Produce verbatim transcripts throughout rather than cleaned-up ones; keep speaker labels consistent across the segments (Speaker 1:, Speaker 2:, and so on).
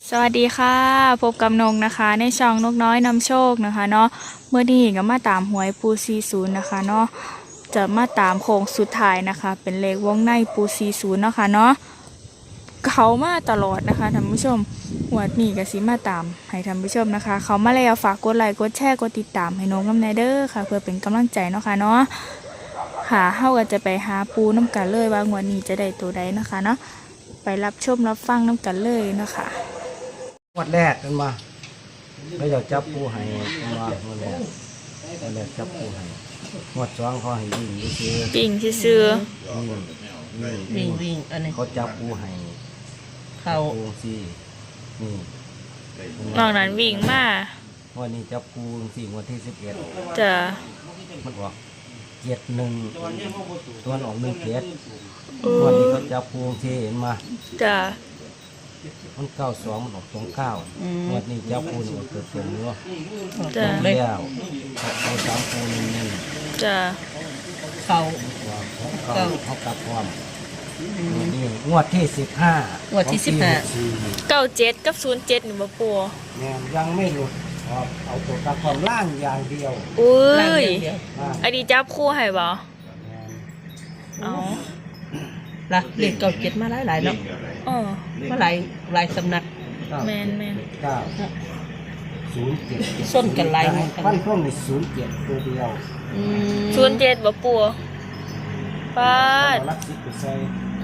Speaker 1: สวัสดีค่ะพบกับนงนะคะในช่องนกน้อยนำโชคนะคะเนาะเมื่อนี้ก็มาตามหวยปูซีศูนย์นะคะเนาะจะมาตามโค้งสุดท้ายนะคะ เป็นเลขวงในปูซีศูนย์เนาะค่ะเนาะเขามาตลอดนะคะท่านผู้ชมหวดนี้ก็สิมาตามให้ท่านผู้ชมนะคะ เขามาแล้วฝากกดไลค์กดแชร์กดติดตามให้นงน้ำในเด้อค่ะ เพื่อเป็นกำลังใจเนาะค่ะเนาะค่ะเฮาก็จะไปหาปูน้ำกันเลยว่างวดนี้จะได้ตัวใดนะคะเนาะไปรับชมรับฟังน้ำกันเลยนะคะ
Speaker 2: งวดแรกกันมาแล้วอยากจับปูให้กันมางวดแรกงวดแรกจับปูให้งวดสองเขาให้วิ่งไปซื้อ
Speaker 1: ปิ่งซื่อ
Speaker 2: นี่นี่
Speaker 3: วิ่งวิ่งอันนี้
Speaker 2: เขาจับปูให้
Speaker 3: เขา
Speaker 2: ปูสี่นี่
Speaker 1: ๆนอกนั้นวิ่งมาง
Speaker 2: วันนี้จับปูสี่งวดที่สิบเอ็ด
Speaker 1: จะ
Speaker 2: มันออกเจ็ดหนึ่งตัวออกหนึ่งเจ็ดงวันนี้เขาจับปูสี่เห็นมา
Speaker 1: จะ
Speaker 2: มันเก้าสองมันออกสองเก้างวดนี้จับปูนี่ออกเกิดเป็นเนาะ
Speaker 1: จะ
Speaker 2: แล้วเอาสามปูนี่นี่
Speaker 1: จะ
Speaker 3: เขา
Speaker 2: ว่าเขาเขาเขากลับความนี่งวดที่สิบห้าง
Speaker 3: วดที่สิบห้า
Speaker 1: เก้าเจ็ดกับศูนย์เจ็ดหนึ่งบ่ปัว
Speaker 2: แม่นยังไม่หลุดออกเอาตัวกลับความล่างอย่างเดียว
Speaker 1: อุ้
Speaker 3: ล่าง
Speaker 1: ย
Speaker 3: เดียว
Speaker 2: ล่าง
Speaker 1: อันนี้จับคู่ให้บ่
Speaker 2: แม่น
Speaker 1: เอา
Speaker 3: ๆละเลขเก่าเจ็ดมาหลายหลายๆเนาะ
Speaker 1: อ๋อ
Speaker 3: มาหลายหลายสำนัก
Speaker 2: เก้า
Speaker 1: แมนแมน
Speaker 2: เก้าศูนย์เจ็ด
Speaker 3: ส้นกันหลายเหมือนกัน
Speaker 2: ฟันพวกในศูนย์เจ็ดตัวเดียว
Speaker 3: อืม
Speaker 1: ศูนย์เจ็ดบ่ปัวปาด
Speaker 2: เอาลักซิปไปใส่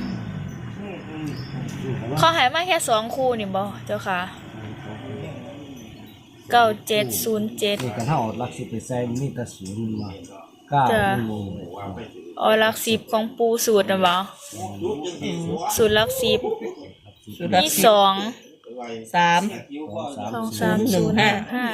Speaker 2: อืม
Speaker 1: เขาใหายมาแค่สองคู่นี่บ่เจ้าค่ะเก้าเจ็ดศูนย์เจ็ด
Speaker 2: นี่กันเท่าเอาลักซิปไปใส่มีแต่ศูนย์มาเก้า
Speaker 1: จ้ะ
Speaker 2: ไม่มี
Speaker 1: อ๋อหลักสิบของปูสูตรนะบ่สูตรหลักสิบ
Speaker 3: สุดละ
Speaker 1: มี
Speaker 3: สิ
Speaker 1: ส
Speaker 3: บ
Speaker 1: อง
Speaker 3: สาม
Speaker 2: สองสาม
Speaker 1: สองสาม
Speaker 3: หนึ่
Speaker 1: ศู
Speaker 3: ง
Speaker 1: นย์
Speaker 3: ห้า
Speaker 1: ห้า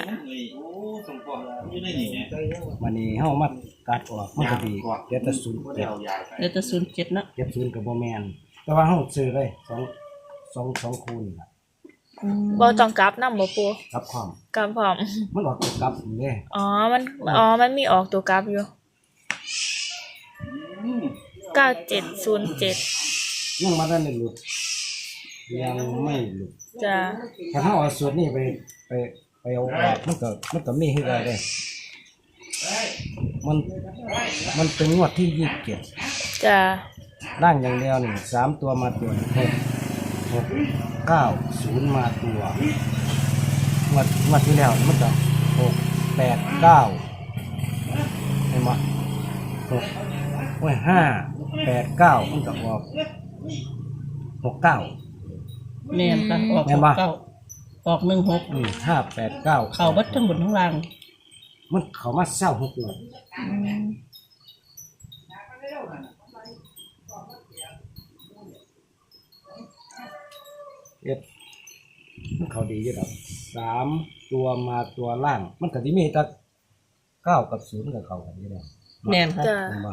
Speaker 2: วันนี้เฮามาตัดออกมันก็ดีเดี๋ยวแต่ศูนย์เจ็ด
Speaker 3: เดี๋ยวจะศูนย์เจ็ดเนาะ
Speaker 2: เจ็ดศูนย์กับโบแมนแต่ว่าเฮาซื้อเลยสองสองสองคูนี่ล่ะ
Speaker 3: อืม
Speaker 1: บ่ต้องกลับนำบ่ปัว
Speaker 2: กับความ
Speaker 1: กลับพร้อม
Speaker 2: มันออกตัวกลับนี่เด้
Speaker 1: อ๋อ มัน อ๋อ มันมีออกตัวกราฟอยู่ เก้าเจ็ดศูนย์เจ็ด
Speaker 2: ยังมาได้ไม่หลุดยังไม่หลุด
Speaker 1: จะ
Speaker 2: ถ้าเฮาเอาสูตรนี้ไปไปไปเอาออกมันก็มันก็มีคือกันเด้มันมันเป็นงวดที่ยี่สิบเจ็ด
Speaker 1: จะ
Speaker 2: ร่างอย่างเดียวนี่สามตัวมาตัวหกหกเก้าศูนย์มาตัวงวดงวดที่แล้วมันก็หกแปดเก้าเห็นไหมหกโอ้ยห้าแปดเก้ามันก็ออกหกเก้า
Speaker 3: แม่นค่ะออก
Speaker 2: แม่นบ่
Speaker 3: เก้าออกหนึ่งหก
Speaker 2: อืมห้าแปดเก้า
Speaker 3: เขาบัดทั้งบนทั้งล่าง
Speaker 2: มันเขามาเศร้าหกเลย
Speaker 3: อืม
Speaker 2: เอ็ดมันเขาดีอยู่ดอกสามตัวมาตัวล่าง มันก็ที่มีแต่เก้ากับศูนย์กับเขากันอยู่แล้ว
Speaker 3: แม่นค่ะ
Speaker 1: จะ
Speaker 2: เห็นบ่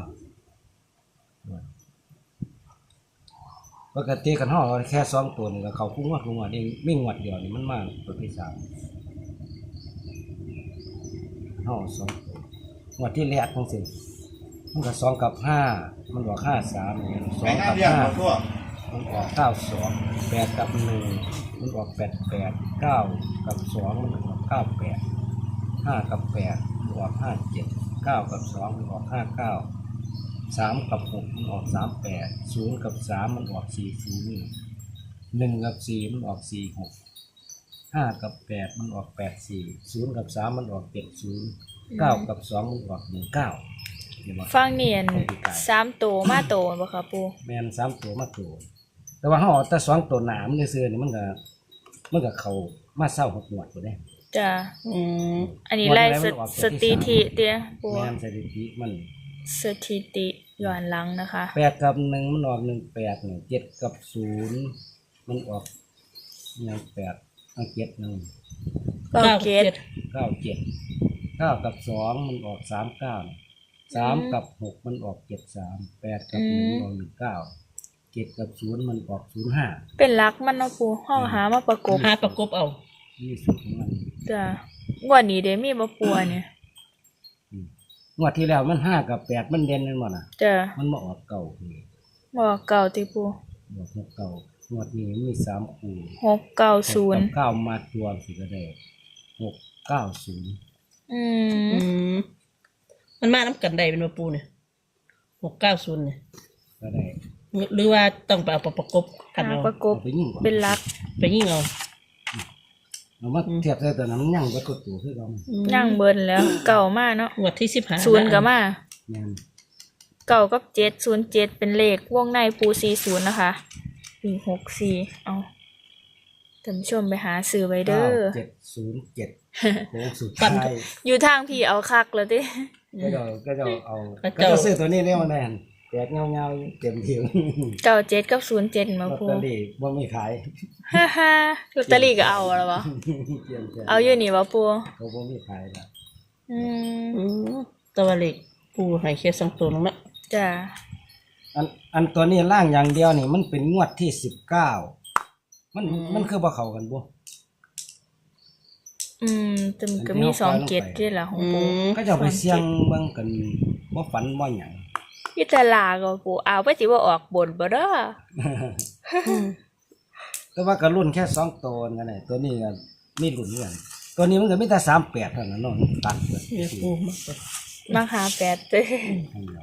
Speaker 2: ปกติกันห่อแค่สองตัวนี่ก็เขาคุ้งวัดคุ้งวัดนี่ไม่งวดเดียวนี่มันมากตัวที่สามห่อสองตัวงวดที่แรกทั้งสิ้นมันก็สองกับห้ามันบอกห้าสามนี่สองกับห้ามันออกเก้าสองแปดกับหนึ่งมันออกแปดแปดเก้ากับสองมันออกเก้าแปดห้ากับแปดมันออกห้าเจ็ดเก้ากับสองมันออกห้าเก้าสามกับหกมันออกสามแปดศูนย์กับสามมันออกสี่ศูนย์หนึ่งกับสี่มันออกสี่หกห้ากับแปดมันออกแปดสี่ศูนย์กับสามมันออกเจ็ดศูนย์เก้ากับสองมันออกหนึ่งเก้า
Speaker 1: ฟังเนียนสามตัวมาโตบ่คะปู
Speaker 2: แมนสามตัวมาตัวแต่ว่าห่อแต่สองตัวหนามเสื้อนี่มันก็มันก็เขามาเศร้าหกหมวดตัวได้
Speaker 1: จะ
Speaker 3: อืม
Speaker 1: อันนี้ไล่สสถิติเตี้ยปู
Speaker 2: แมนสถิติมัน
Speaker 1: สถิติย้อนหลังนะคะ
Speaker 2: แปดกับหนึ่งมันออกหนึ่งแปดหนึ่งเจ็ดกับศูนย์มันออกหนึ่งแปดอังเจ็ดหนึ่ง
Speaker 1: เก้าเจ็ด
Speaker 2: เก้าเจ็ดเก้ากับสองมันออกสามเก้าสามกับหกมันออกเจ็ดสามแปดกับหนึ่งออกหนึ่งเก้าเจ็ดกับศูนย์มันออกศูนย์ห้า
Speaker 1: เป็นหลักมันเนาะปูห้องหามาประกบ
Speaker 3: หาประกบเอา
Speaker 2: ยี่สิบของมัน
Speaker 1: จะงวดนี้เด้มีบ่ปัวเนี่ย
Speaker 2: งวดที่แล้วมันห้ากับแปดมันเด่นกันหมดอ่ะ
Speaker 1: จะ
Speaker 2: มันมาออกเก่าเลย
Speaker 1: บ่เก่าติปู
Speaker 2: ออกหกเก่างวดนี้มีสามคู่
Speaker 1: หกเก้า
Speaker 2: ห
Speaker 1: ศู
Speaker 2: ก
Speaker 1: น
Speaker 2: กั
Speaker 1: ย์
Speaker 2: บเก้ามาตัวสิก็ได้หกเก้าศูนย์
Speaker 1: อืม
Speaker 3: อืมมันมาน้ำกันได้เป็นมาปูเนี่ยหกเก้าศูนย์เนี่ย
Speaker 2: ก็ได้
Speaker 3: หรือว่าต้องไปเอาประกบกัน
Speaker 1: หา
Speaker 3: เอา
Speaker 1: ประกบ
Speaker 2: เอาไปยิ่งกว่า
Speaker 1: เป็นหลัก
Speaker 3: ไปยิ่งเอา
Speaker 2: เอามาเทียบใส่ตัวนั้นมันยั่งก็กดตัวคือเรา
Speaker 1: ย่างเบิ้นแล้ว เก่ามากเนาะ
Speaker 3: งวดที่สิบห้า
Speaker 1: ศูนย์ก็มา
Speaker 2: แม่น
Speaker 1: เก่ากับเจ็ดศูนย์เจ็ดเป็นเลขวงในปูสี่ศูนย์นะคะสี่หกสี่เอาท่านผู้ชมไปหาซื้อไว้เด้
Speaker 2: เก้า
Speaker 1: อ
Speaker 2: เจ็ดศูนย์เจ็ดโค้งสุดท้าย
Speaker 1: อยู่ทางพี่เอาคักเลยติ
Speaker 2: ก็จะก็จะเอาก็จะซื้อตัวนี้ได้มาแน่นแตกเงาๆเต็มที่
Speaker 1: เก่าเจ็ดกับศูนย์เจ็ด
Speaker 2: ล
Speaker 1: มา
Speaker 2: อต
Speaker 1: ปู
Speaker 2: เตอรี่บ่มีขาย
Speaker 1: ฮ่าฮ่าลอตเตอรี่ก็เอาแล้ววะ
Speaker 2: เตรียมแจก
Speaker 1: เอาอยู่นี่วะปู
Speaker 2: เขาบ่มีขายละ
Speaker 1: อืม
Speaker 3: อืมตัวเล็กปูให้แค่สองตัวนึงละ
Speaker 1: จ้ะ
Speaker 2: อันอันตัวนี้ล่างอย่างเดียวนี่มันเป็นงวดที่สิบเก้ามันมันคือบ่เข้ากันบ่
Speaker 1: อืมแต่มันก็มีสองเกตด้วยล่ะของ
Speaker 3: อื
Speaker 1: ปู
Speaker 3: ม
Speaker 2: ก็จะเอาไปเสี่ยงเบิ่งกันบ่ฝันบ่หยัง
Speaker 1: พี่ตลาก็ปูเอาไปสิว่าออกบนบ่เด้อ
Speaker 2: แต่ว่าก็รุ่นแค่สองตัวนั่นแหละตัวนี้ก็มีรุ่นเหมือนกันตัวนี้มันก็มีแต่สามแปดเท่านั้นเนาะตัดเบิด
Speaker 3: เดี๋ยวปูมาเปิด
Speaker 1: มาหาแปดเด้อ
Speaker 2: ให้เรา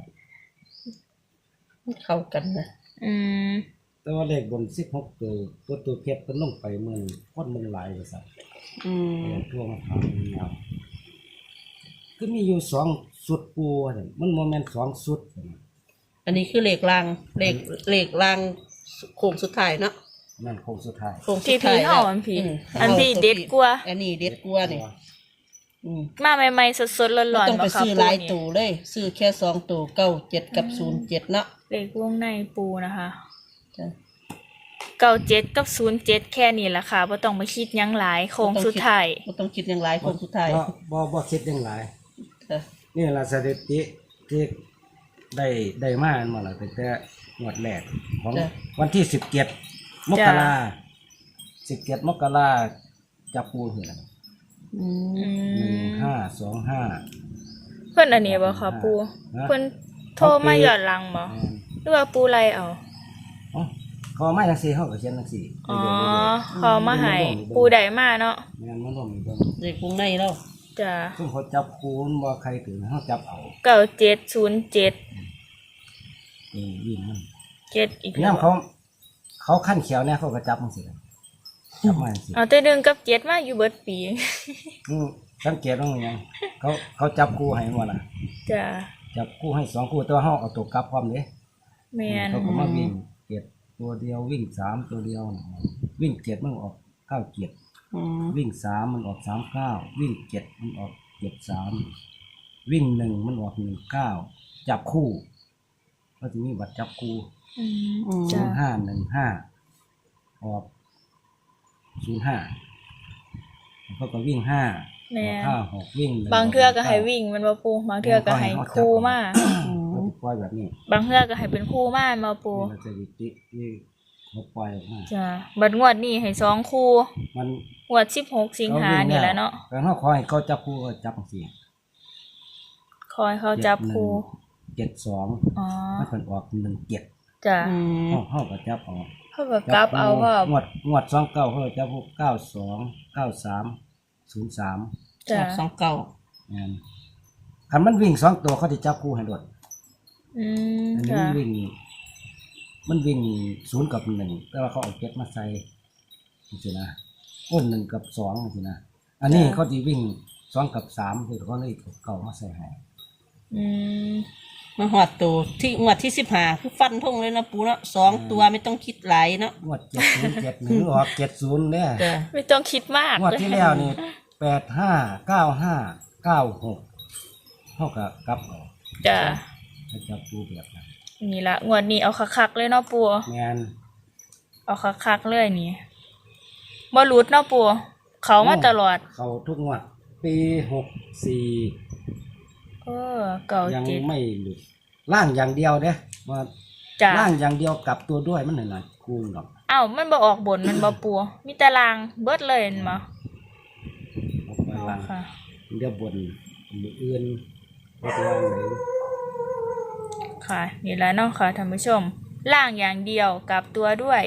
Speaker 3: เข้ากันนะ
Speaker 1: อืม
Speaker 2: แต่ว่าเลขบนสิบหกตัวตัวตัวเพชรเพิ่นลงไปเมืองคนเมืองหลายว่าซั่น
Speaker 3: อืม
Speaker 2: เอาทั่วมาถามเงาคือมีอยู่สองสุดปูว่าซั่นมันบ่แม่นสองสุดซั่น
Speaker 3: อันนี้คือเลขรางเลขเลขรางโค้งสุดท้ายเนาะ
Speaker 2: นั่นโค้งสุดท้าย
Speaker 3: โค้งสุ
Speaker 1: พี่
Speaker 3: ดท้า
Speaker 1: พี่
Speaker 3: ย
Speaker 1: เฮาอันพี่
Speaker 3: ม
Speaker 1: อันพี่เด็ดกว่า
Speaker 3: อันนี้เด็ดกว่านี่อืม
Speaker 1: มาใหม่ๆสดๆร้
Speaker 3: ไม่
Speaker 1: อน
Speaker 3: ต้อง
Speaker 1: ๆ
Speaker 3: ไป
Speaker 1: บ่ครับ
Speaker 3: ซื้อ
Speaker 1: ปู
Speaker 3: หลาย
Speaker 1: นี่
Speaker 3: ตัวเลย ซื้อแค่สองตัวเก้าเจ็ดกับศูนย์เจ็ดเนาะ
Speaker 1: เลขวงในปูนะคะ
Speaker 3: จ้ะ
Speaker 1: เก้าเจ็ดกับศูนย์เจ็ดแค่นี้แหละค่ะบ่ต้องไปคิดหยังหลายโค้งสุดท้าย
Speaker 3: ไม่ต้องคิดอย่างไรโค้งสุดท้าย
Speaker 2: บ่บ่บ่คิดจังหลาย
Speaker 3: จ้ะ
Speaker 2: นี่ล่ะสถิติที่ได้ได้มาอันมาแล้วตั้งแต่งวดแรกของวันที่สิบเจ็ดมกราสิบเจ็ดมกราจับปูนี่แหละ
Speaker 3: อืม
Speaker 1: อื
Speaker 2: หนึ่ง
Speaker 1: ม
Speaker 2: ห้าสองห้า
Speaker 1: เพิ่นอันนี้บ่ค่ะปู
Speaker 2: ฮะ
Speaker 1: เพิ่นโทรมาย้อนหลังบ่
Speaker 2: แม่น
Speaker 1: หรือว่าปูไล่เอา
Speaker 2: อ๋อเขามาจังซี่เฮาก็เขียนจังซี่
Speaker 1: อ๋อเขามาให้ปูได้มาเนาะ
Speaker 2: แม่นมันบ่มีเบิ่ง
Speaker 3: เลขวงในแล้ว
Speaker 1: จ้ะ
Speaker 2: ซึ่งเขาจับปูมันบ่ใครถึงเฮาจับเอา
Speaker 1: เก้าเจ็ดศูนย์เจ็ด
Speaker 2: เออวิ่งมัน
Speaker 1: เจ็ดอีก
Speaker 2: ยามเขา เขาขั้นเขียวเนี่ยเขาก็จับจังซี่ล่ะจับมาจังซี่
Speaker 1: เอาแต่หนึ่งกับเจ็ดมาอยู่เบิดปี
Speaker 2: อืมสังเกตว่าไงเขาเขาจับคู่ให้หมดล่ะ
Speaker 1: จ้ะ
Speaker 2: จับคู่ให้สองคู่แตัวาเฮาเอาตัวกลับพร้อมเด้
Speaker 1: แม่น
Speaker 2: เขาก็มาวิ่งเจ็ดตัวเดียววิ่งสามตัวเดียว วิ่งเจ็ดมันออกเก้าเจ็ด
Speaker 3: อืม
Speaker 2: วิ่งสามมันออกสามเก้าวิ่งเจ็ดมันออกเจ็ดสามวิ่งหนึ่งมันออกหนึ่งเก้าจับคู่ก็จะมีบัตรจับคู่
Speaker 1: อืม
Speaker 3: อืม
Speaker 2: ศู
Speaker 1: จ้ะ
Speaker 2: นย์ห้าหนึ่งห้าออกศูนย์ห้าเขาก็วิ่งห้า
Speaker 1: แม่
Speaker 2: ออกห้าหกวิ่งหนึ่
Speaker 1: บางเทื่อก็ให้วิ่งมันบ่ปูบางเทื่อก็ให้คู่มา
Speaker 2: เขาจะปล่อยแบบนี้
Speaker 1: บางเทื่อก็ให้เป็นคู่มามาปู
Speaker 2: นี่เราจะวิจิที่เขาปล่อยออกมา
Speaker 1: จ้ะบัดงวดนี้ให้สองคู่
Speaker 2: มัน
Speaker 1: งวดสิบหกสิงหานี่แหละเนาะ
Speaker 2: แต่เขาขอให้เขาจับคู่ก็จับสี่
Speaker 1: คอยเขาจับคู่
Speaker 2: เจ็ดสอง
Speaker 1: อ๋อ
Speaker 2: มันเป็นออกหนึ่งเจ็ด
Speaker 1: จ้ะ
Speaker 3: อืม
Speaker 2: เขาเขาก็จับออก
Speaker 1: เขาก็กลับเอาพ่อง
Speaker 2: วดงวดสองเก้าเขาก็จับพวกเก้าสองเก้าสามศูนย์สาม
Speaker 1: จ้ะ
Speaker 3: สองเก้า
Speaker 2: นั่นคันมันวิ่งสองตัวเขาจะจับคู่ให้รวด
Speaker 1: อืม
Speaker 2: อันนี้
Speaker 1: จ้ะ
Speaker 2: มันวิ่ง มันวิ่งศูนย์กับหนึ่งแต่ว่าเขาเอาเจ็ดมาใส่สินะอ้นหนึ่งกับสองสินะอันนี้เขาจะวิ่งสองกับสามคือเขาเลยเอาเก่ามาใส่ให้
Speaker 1: อืม
Speaker 3: มาหอดตัวที่งวดที่สิบห้าคือฟันทงเลยนะปูเนาะสองตัวไม่ต้องคิดหลายเนาะ
Speaker 2: งวดเจ็ดศูนย์เจ็ดหนึ่งออกเจ็ดศูนย์เนี่ย
Speaker 3: จ้ะ
Speaker 1: ไม่ต้องคิดมาก
Speaker 2: งวดที่แล้วนี่แปดห้าเก้าห้าเก้าหกเท่ากับกลับออก
Speaker 1: จ้ะ
Speaker 2: เขาจับคู่แบบนั้น
Speaker 1: นี่ละงวดนี้เอาคักๆเลยเนาะปู
Speaker 2: งาน
Speaker 1: เอาคักๆเลยนี่บ่หลุดเนาะปูเขามาตลอด
Speaker 2: เขาทุกงวดปีหกสี่
Speaker 1: เออเก่า
Speaker 2: ยัง
Speaker 1: เจ็ด
Speaker 2: ไม่หลุดล่างอย่างเดียวเด้ว่า
Speaker 1: จ้ะ
Speaker 2: ล่างอย่างเดียวกลับตัวด้วยมันหน่อยๆคูณหรอก
Speaker 1: อ้าวมันบ่ออกบนมันบ่ปูมีแต่ลางเบิดเลยเห็นบ่
Speaker 2: ออกไป
Speaker 1: อ๋อ
Speaker 2: ล่าง
Speaker 1: ค่ะ
Speaker 2: เดี๋ยวบนมืออื่นว่าจะล่างไหน
Speaker 1: ค่ะนี่แหละเนาะค่ะท่านผู้ชมล่างอย่างเดียวกลับตัวด้วย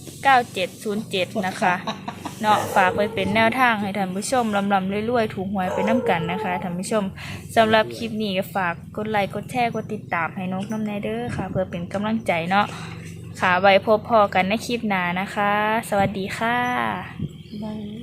Speaker 1: เก้าเจ็ดศูนย์เจ็ดนะคะเนาะฝากไปเป็นแนวทางให้ท่านผู้ชมลำลำรวยๆถูกหวยไปน้ำกันนะคะท่านผู้ชมสำหรับคลิปนี้ก็ฝากกดไลค์กดแชร์กดติดตามให้นกน้ำในเด้อค่ะ เพื่อเป็นกำลังใจเนาะค่ะไว้พบพอกันในคลิปหน้านะคะ สวัสดีค่ะ
Speaker 3: บาย